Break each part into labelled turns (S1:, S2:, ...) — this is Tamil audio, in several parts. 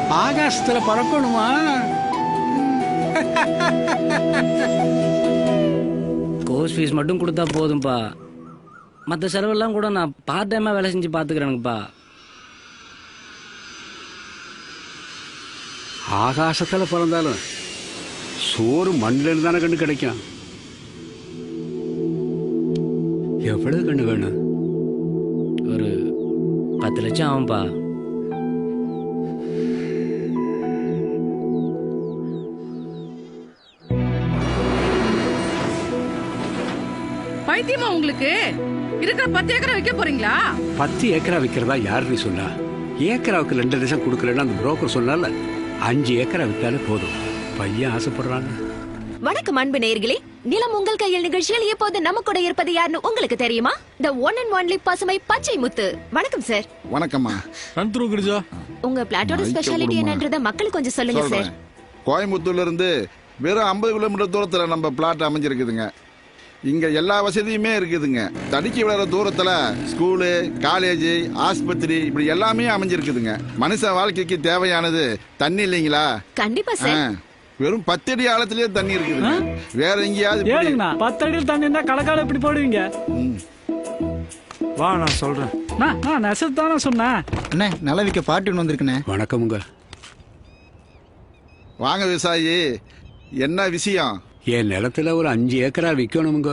S1: ஆகாசத்துல பறக்கணுமா?
S2: கோர்ஸ் ஃபீஸ் மட்டும் கொடுத்தா போதும்பா. மற்ற செலவெல்லாம் கூட நான் பார்ட் டைமா வேலை செஞ்சு பாத்துக்கிறேனுப்பா.
S1: ஆகாசத்துல பிறந்தாலும் சோறு மண்ணில் தானே கண்ணு கிடைக்கும். எவ்வளவு கண்ணு வேணும்?
S2: ஒரு 10 லட்சம் ஆகும்பா.
S3: பைத்தியமா உங்களுக்கு? இருக்கிற 10 ஏக்கரை விற்க போறீங்களா?
S1: 10 ஏக்கரா விற்கிறதா யாருன்னு சொன்னா? ஏக்கராவுக்கு 2 லட்சம் கொடுக்கலன்னு அந்த புரோக்கர் சொன்னால 5 ஏக்கரா வித்தாலே போதும். பையன் ஆசைப்படுறாங்க.
S4: வணக்கம் அன்பு நேயர்களே, நிலம் உங்கள் கையில் நிகழ்ச்சியில் இப்போது நம்ம கூட இருப்பது யாருன்னு உங்களுக்கு தெரியுமா? த ஒன் அண்ட் ஒன்லி பசுமை பச்சை முத்து. வணக்கம் சார்.
S5: வணக்கம்மா.
S4: உங்க பிளாட்டோட ஸ்பெஷாலிட்டி என்னன்றத மக்களுக்கு கொஞ்சம் சொல்லுங்க சார்.
S5: கோயம்புத்தூர்ல இருந்து வெறும் 50 கிலோமீட்டர் தூரத்துல நம்ம பிளாட் அமைஞ்சிருக்குதுங்க. இங்க எல்லா வசதியுமே இருக்குதுங்க. தடுக்கி விளையாட தூரத்துல ஸ்கூலு, காலேஜ், ஆஸ்பத்திரி இப்படி எல்லாமே அமைஞ்சிருக்குதுங்க. மனுஷ வாழ்க்கைக்கு தேவையானது தண்ணி இல்லைங்களா?
S4: கண்டிப்பா சார்.
S5: வெறும் 10 அடி ஆழத்திலேயே தண்ணி இருக்குது. வேற எங்கேயாவது
S6: 10 அடியில் தண்ணி இருந்தா கலக்கால எப்படி போடுவீங்க?
S7: வா நான் சொல்றேன்.
S6: நான் நெசத்தானே சொன்னேன்.
S7: அண்ணே நிலவிக்க பாட்டுன்னு வந்திருக்குண்ணே.
S1: வணக்கமுங்க.
S5: வாங்க விவசாயி, என்ன விஷயம்?
S1: என் நிலத்துல ஒரு 5 ஏக்கரா விற்கணுமுங்க.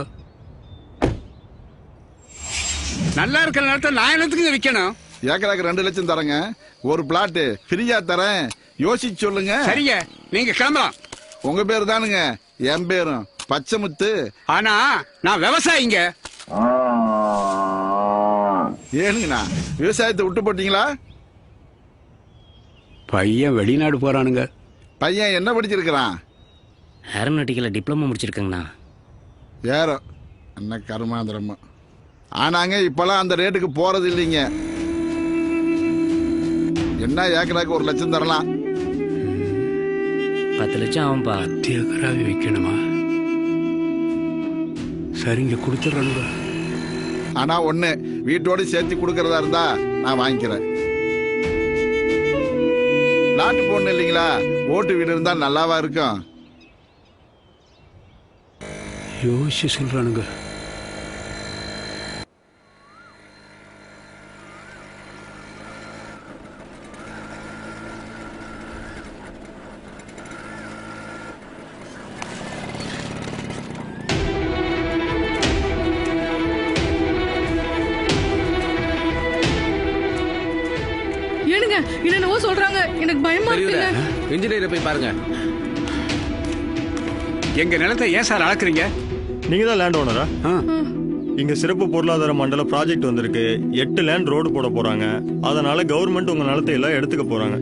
S1: நல்லா இருக்கிற நிலத்தை நான் என்னத்துக்கு விற்கணும்?
S5: ஏக்கராக்கு 2 லட்சம் தரங்க. ஒரு பிளாட் ஃப்ரீயா தரேன், யோசிச்சு சொல்லுங்க.
S1: சரிங்க, நீங்க கிளம்பலாம்.
S5: உங்க பேரு தானுங்க? என் பேரும் பச்சைமுத்து.
S1: ஆனா நான் விவசாயிங்க.
S5: ஏனுங்கண்ணா விவசாயத்தை விட்டு போட்டீங்களா?
S1: பையன் வெளிநாடு போறானுங்க.
S5: பையன் என்ன படிச்சிருக்கிறான்?
S2: ஏரோநாட்டிக்கல டிப்ளமோ முடிச்சிருக்கேங்கண்ணா.
S5: ஏறோ என்ன கருமாந்திரமா. ஆனாங்க இப்பெல்லாம் அந்த ரேட்டுக்கு போறது இல்லைங்க. என்ன ஏக்கராக்கு 1 லட்சம் தரலாம்.
S2: 10 லட்சம் ஆகும்பா.
S1: 10 ஏக்கராவே விற்கணுமா? சரிங்க, கொடுத்துட்றானுங்க.
S5: ஆனா ஒண்ணு, வீட்டோட சேர்த்து கொடுக்கறதா இருந்தா நான் வாங்கிக்கிறேன். நாட்டு பொண்ணு இல்லைங்களா, ஓட்டு வீடு இருந்தா நல்லாவா இருக்கும்?
S1: யோசிச்சு சொல்றானுங்க.
S3: ஏனுங்க என்னென்னவோ சொல்றாங்க, எனக்கு பயமா இருக்குங்க.
S8: இன்ஜினியரை போய் பாருங்க.
S1: எங்க நிலத்தை ஏன் சார் அளக்குறீங்க?
S9: நீங்க தான் லேண்ட் ஓனரா? இங்க சிறப்பு பொருளாதார மண்டல ப்ராஜெக்ட் வந்திருக்கு. 8 லேண்ட் ரோடு போட போறாங்க. அதனால கவர்மெண்ட் உங்க நிலத்தை எல்லாம் எடுத்துக்க போறாங்க.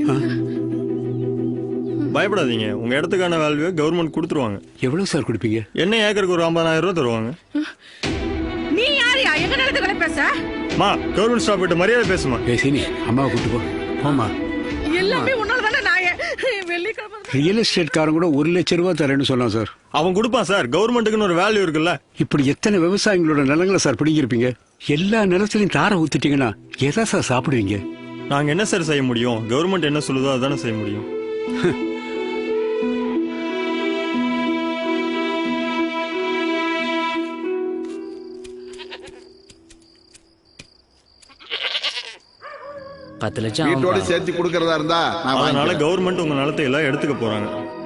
S9: பயப்படாதீங்க, உங்க இடத்துக்கான வேல்யூ கவர்மெண்ட் கொடுத்துருவாங்க.
S1: எவ்வளவு சார் கொடுப்பீங்க?
S9: என்ன ஏக்கருக்கு ஒரு 50,000 ரூபாய் தருவாங்க.
S3: நீ யாரையா எங்க நிலத்துக்கு பேச?
S9: மா, கவர்மெண்ட் ஸ்டாப் கிட்ட மரியாதை பேசுமா.
S1: சீனி, அம்மாவை கூட்டு போ. போமா.
S3: எல்லாமே உன்னால தானே. நான் வெள்ளிக்கிழமை
S1: ரியல் எஸ்டேட் காரன் கூட 1 லட்சம் ரூபாய் தரேன்னு சொன்னான் சார்.
S9: அவன் கொடுப்பான் சார். கவர்மெண்ட்டுக்குன்னு ஒரு வேல்யூ இருக்குல்ல.
S1: இப்படி எத்தனை விவசாயிகளோட நிலங்களை சார் பிடிங்கிருப்பீங்க? எல்லா நிலத்திலையும் தாரை ஊத்திட்டீங்கன்னா எதா சார் சாப்பிடுவீங்க?
S9: நாங்க என்ன சார் செய்ய முடியும்? கவர்மெண்ட் என்ன சொல்லுதோ அதானே செய்ய முடியும்.
S5: வீட்டோட சேர்த்து கொடுக்கறதா இருந்தா
S9: அதனால கவர்மெண்ட் உங்க நிலத்தை எல்லாம் எடுத்துக்க போறாங்க.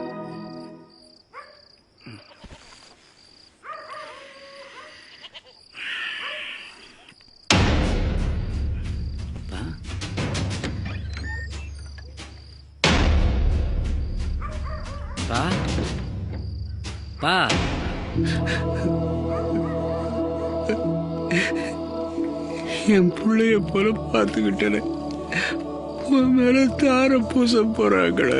S2: பா பா
S1: என் பிள்ளைய போல பார்த்துக்கிட்டேன். மேல தார பூச போறாங்களே.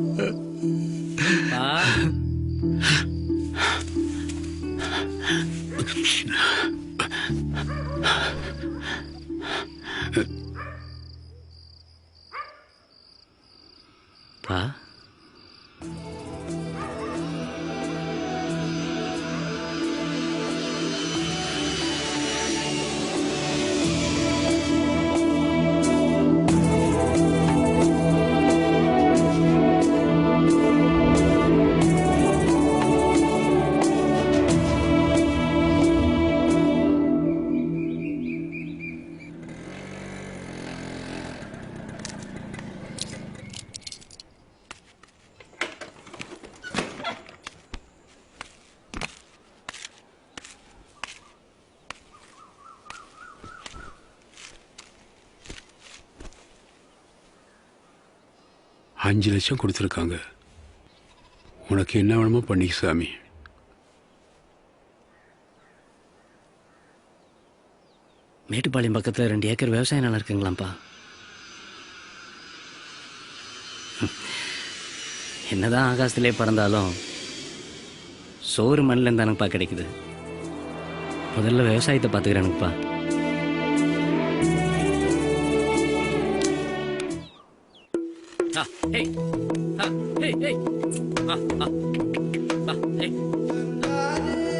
S2: பா
S1: 5 லட்சம் கொடுத்துருக்காங்க. உனக்கு என்ன வேணுமோ பண்ணிக்க சாமி.
S2: மேட்டுப்பாளையம் பக்கத்தில் 2 ஏக்கர் விவசாய நிலம் இருக்குங்களாம்ப்பா. என்னதான் ஆகாசத்திலே பறந்தாலும் சோறு மண்ணில் தானப்பா கிடைக்குது. முதல்ல விவசாயத்தை பார்த்துக்கிறேனுப்பா.